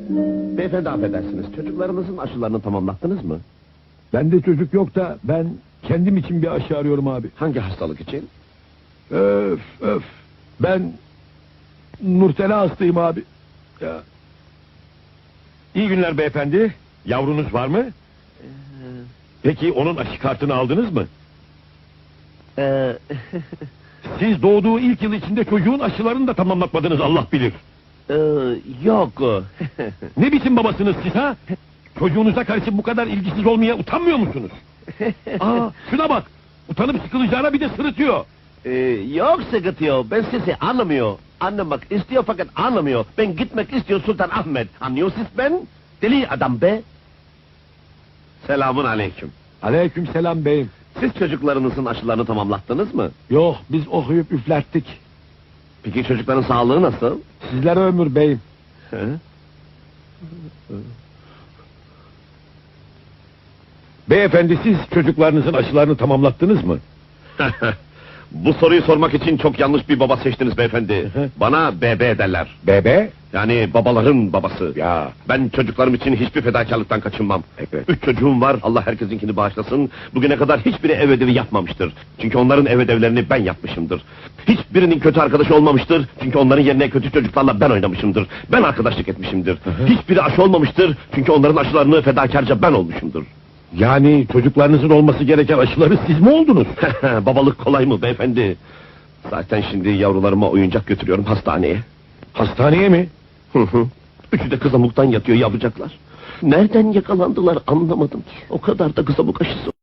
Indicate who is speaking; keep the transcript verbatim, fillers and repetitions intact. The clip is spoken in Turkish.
Speaker 1: Beyefendi affedersiniz, çocuklarınızın aşılarını tamamlattınız mı?
Speaker 2: Bende çocuk yok da ben kendim için bir aşı arıyorum abi.
Speaker 1: Hangi hastalık için?
Speaker 2: Öf öf. Ben Nurtela hastayım abi. Ya.
Speaker 3: İyi günler beyefendi. Yavrunuz var mı? Peki onun aşı kartını aldınız mı?
Speaker 1: Ee,
Speaker 3: Siz doğduğu ilk yıl içinde çocuğun aşılarını da tamamlatmadınız, Allah bilir.
Speaker 1: ee, yok.
Speaker 3: Ne biçim babasınız siz ha? Çocuğunuza karşı bu kadar ilgisiz olmaya utanmıyor musunuz? Aa, şuna bak! Utanıp sıkılacağına bir de sırıtıyor.
Speaker 1: Ee, yok sıkıntı yok, ben sizi anlamıyor. Anlamak istiyor fakat anlamıyor. Ben gitmek istiyor Sultan Ahmet. Anlıyorsunuz ben? Deli adam be! Selamun aleyküm.
Speaker 2: Aleykümselam beyim.
Speaker 1: Siz çocuklarınızın aşılarını tamamlattınız mı?
Speaker 2: Yok, biz okuyup üflerttik.
Speaker 1: Peki çocukların sağlığı nasıl?
Speaker 2: Sizlere ömür beyim.
Speaker 1: He?
Speaker 3: Beyefendi, siz çocuklarınızın aşılarını tamamlattınız mı?
Speaker 1: Bu soruyu sormak için çok yanlış bir baba seçtiniz beyefendi. Bana bebe derler.
Speaker 3: Bebe?
Speaker 1: Yani babaların babası.
Speaker 3: Ya.
Speaker 1: Ben çocuklarım için hiçbir fedakarlıktan kaçınmam.
Speaker 3: Evet.
Speaker 1: Üç çocuğum var, Allah herkesinkini bağışlasın. Bugüne kadar hiçbiri ev ödevi yapmamıştır. Çünkü onların ev ödevlerini ben yapmışımdır. Hiçbirinin kötü arkadaşı olmamıştır. Çünkü onların yerine kötü çocuklarla ben oynamışımdır. Ben arkadaşlık etmişimdir. Hiçbiri aşı olmamıştır. Çünkü onların aşılarını fedakarca ben olmuşumdur.
Speaker 3: Yani çocuklarınızın olması gereken aşıları siz mi oldunuz?
Speaker 1: Babalık kolay mı beyefendi? Zaten şimdi yavrularıma oyuncak götürüyorum hastaneye.
Speaker 3: Hastaneye mi?
Speaker 1: Hı hı. Üçü de kızamıktan yatıyor yavrucaklar. Nereden yakalandılar anlamadım ki. O kadar da kızamık aşısı.